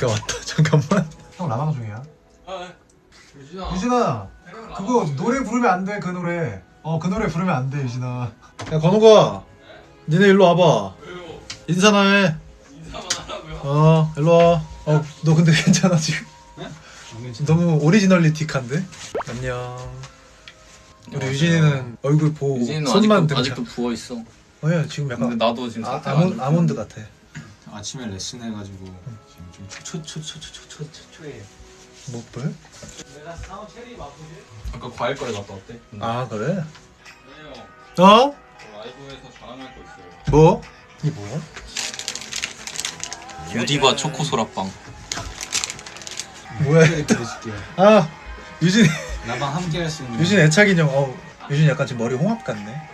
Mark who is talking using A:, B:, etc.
A: 야 왔다. 잠깐만.
B: 형 라방 중이야.
C: 유진아.
B: 유진아, 그거 노래 부르면 안 돼. 그 노래. 그 노래 부르면 안 돼, 유진아.
A: 야 건우가, 니네 일로 와봐.
C: 왜요?
A: 인사나 해.
C: 인사만 하라고요?
A: 일로 와. 너 근데 괜찮아 지금? 너무 오리지널리틱한데? 안녕. 우리 유진이는 얼굴 보고
C: 유진이는
A: 손만
C: 아직도,
A: 들자.
C: 아직도 부어있어.
A: 야 지금 약간
C: 근데 나도 지금 상태가 안 좋고.
A: 아몬드 같아.
D: 아침에 레슨 해가지고 지금 좀 초초초초초초초해.
A: 뭐 뭘?
C: 아까 과일 거래 갔다 왔대.
A: 아 그래?
C: 네요.
A: 어?
C: 라이브에서 자랑할 거 있어요.
A: 뭐? 이게 뭐야?
C: 유디바 초코 소라빵.
A: 뭐야?
D: 보여줄게요.
A: 아 유진
D: 나방 함께 할 수 있는.
A: 유진 애착 인형. 유진 약간 지금 머리 홍합 같네.